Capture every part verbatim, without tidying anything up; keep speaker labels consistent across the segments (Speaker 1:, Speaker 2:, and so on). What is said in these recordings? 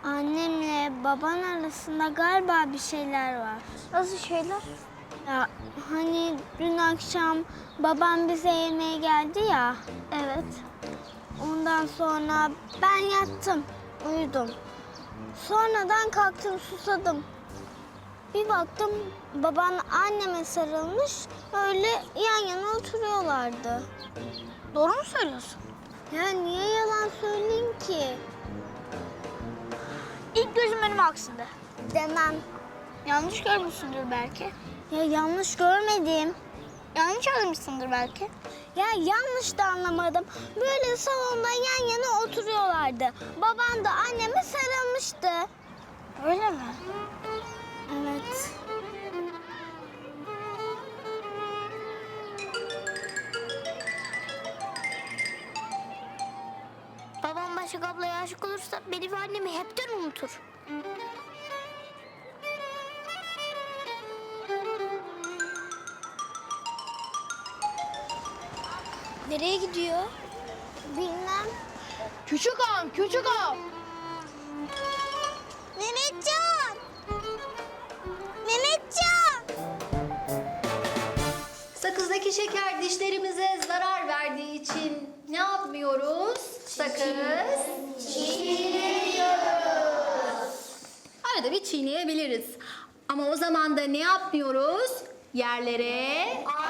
Speaker 1: Annemle baban arasında galiba bir şeyler var.
Speaker 2: Nasıl şeyler?
Speaker 1: Ya hani dün akşam babam bize yemeğe geldi ya.
Speaker 2: Evet.
Speaker 1: Ondan sonra ben yattım, uyudum. Sonradan kalktım, susadım. Bir baktım baban anneme sarılmış, öyle yan yana oturuyorlardı.
Speaker 2: Doğru mu söylüyorsun?
Speaker 1: Ya niye yalan söyleyeyim ki?
Speaker 2: İlk gözüm önüme aksındı.
Speaker 1: Demem.
Speaker 2: Yanlış görmüşsündür belki.
Speaker 1: Ya yanlış görmedim.
Speaker 2: Yanlış anlamışsındır belki.
Speaker 1: Ya yanlış da anlamadım. Böyle salonda yan yana oturuyorlardı. Babam da anneme sarılmıştı.
Speaker 2: Öyle mi?
Speaker 1: Evet.
Speaker 2: Babam Başak ablaya aşık olursa beni ve annemi hepten unutur. Nereye gidiyor?
Speaker 1: Bilmem.
Speaker 2: Küçük ağam, küçük ağam.
Speaker 1: Mehmetcan! Mehmetcan!
Speaker 3: Sakızdaki şeker dişlerimize zarar verdiği için ne yapmıyoruz? Sakız çiğniyoruz. Arada bir çiğneyebiliriz. Ama o zaman da ne yapmıyoruz? Yerlere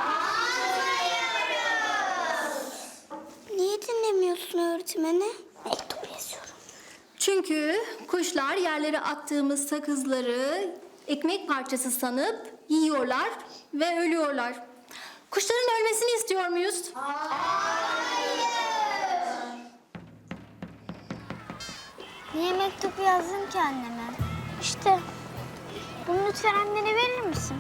Speaker 2: Niye dinlemiyorsun öğretmeni? Mektup yazıyorum.
Speaker 3: Çünkü kuşlar yerlere attığımız sakızları ekmek parçası sanıp yiyorlar ve ölüyorlar. Kuşların ölmesini istiyor muyuz?
Speaker 1: Niye mektup yazdın ki anneme?
Speaker 2: İşte. Bunu lütfen annene verir misin?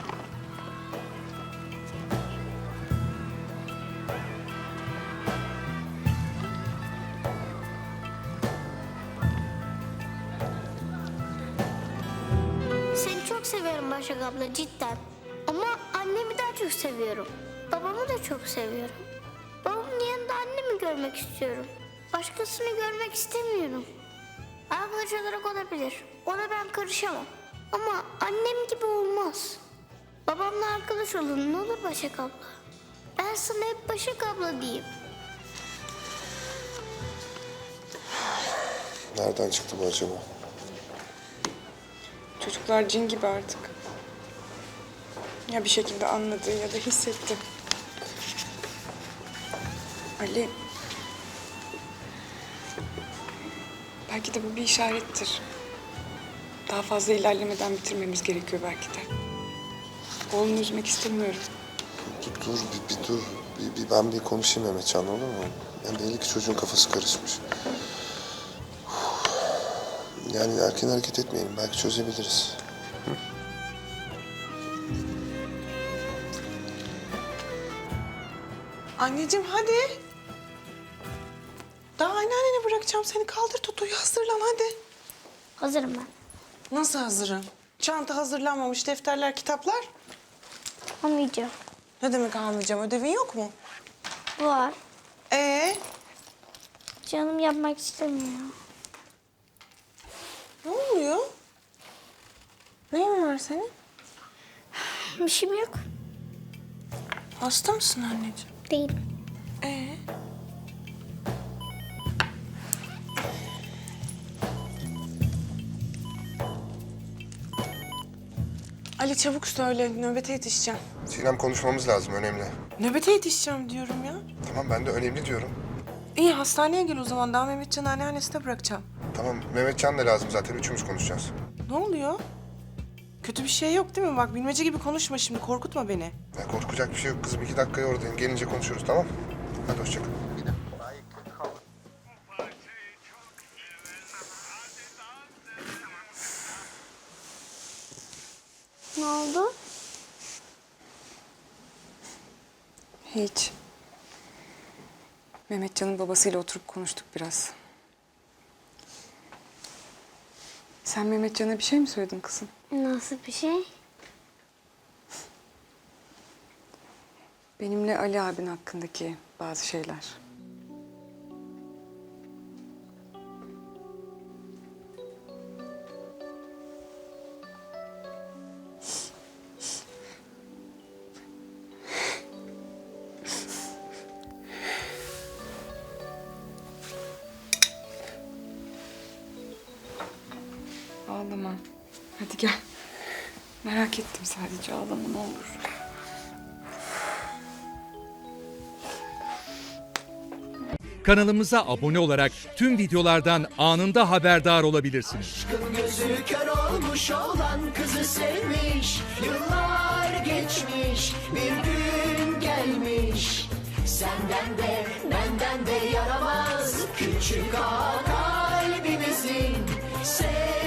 Speaker 2: Seni çok seviyorum Başak abla cidden. Ama annemi daha çok seviyorum. Babamı da çok seviyorum. Babamın yanında annemi görmek istiyorum. Başkasını görmek istemiyorum. Arkadaş olarak olabilir. Ona ben karışamam. Ama annem gibi olmaz. Babamla arkadaş olun ne olur Başak abla. Ben sana hep Başak abla diyeyim.
Speaker 4: Nereden çıktı bu acaba?
Speaker 5: Çocuklar cin gibi artık. Ya bir şekilde anladı ya da hissetti. Ali... Belki de bu bir işarettir. Daha fazla ilerlemeden bitirmemiz gerekiyor belki de. Oğlunu üzmek istemiyorum.
Speaker 4: Dur, dur bir, bir dur. Bir, bir ben bir konuşayım Mehmetcan, olur mu? Yani belli ki çocuğun kafası karışmış. Yani erken hareket etmeyelim. Belki çözebiliriz. Hı?
Speaker 5: Anneciğim hadi. Daha anneannene bırakacağım seni. Kaldır Toto'yu, hazırlan hadi.
Speaker 2: Hazırım ben.
Speaker 5: Nasıl hazırım? Çanta hazırlanmamış, defterler, kitaplar.
Speaker 2: Almayacağım.
Speaker 5: Ne demek almayacağım? Ödevin yok mu?
Speaker 2: Var.
Speaker 5: Ee,
Speaker 2: Canım yapmak istemiyor.
Speaker 5: ne oluyor? Neyin var senin?
Speaker 2: Bir şeyim yok.
Speaker 5: Hasta mısın anneciğim?
Speaker 2: Değil.
Speaker 5: Ee? Ali çabuk söyle, nöbete yetişeceğim.
Speaker 4: Sinem, konuşmamız lazım, önemli.
Speaker 5: Nöbete yetişeceğim diyorum ya.
Speaker 4: Tamam, ben de önemli diyorum.
Speaker 5: İyi, hastaneye gel o zaman. Daha Mehmetcan'ı anneannesine bırakacağım.
Speaker 4: Tamam, Mehmetcan da lazım zaten. Üçümüz konuşacağız.
Speaker 5: Ne oluyor? Kötü bir şey yok değil mi? Bak bilmece gibi konuşma şimdi, korkutma beni.
Speaker 4: Ya korkacak bir şey yok kızım. İki dakikaya oradayım. Gelince konuşuruz, tamam? Hadi hoşça kal.
Speaker 1: Ne oldu?
Speaker 5: Hiç. Mehmetcan'ın babasıyla oturup konuştuk biraz. Sen Mehmetcan'a bir şey mi söyledin kızım?
Speaker 1: Nasıl bir şey?
Speaker 5: Benimle Ali abin hakkındaki bazı şeyler. Ağlama. Hadi gel. Merak ettim sadece, ağlama ne olur.
Speaker 6: Kanalımıza abone olarak tüm videolardan anında haberdar olabilirsiniz.
Speaker 7: Gözü kör olmuş olan kızı sevmiş. Yıllar geçmiş, bir gün gelmiş. Senden de benden de yaramaz küçük ağa kalbimizin. Sev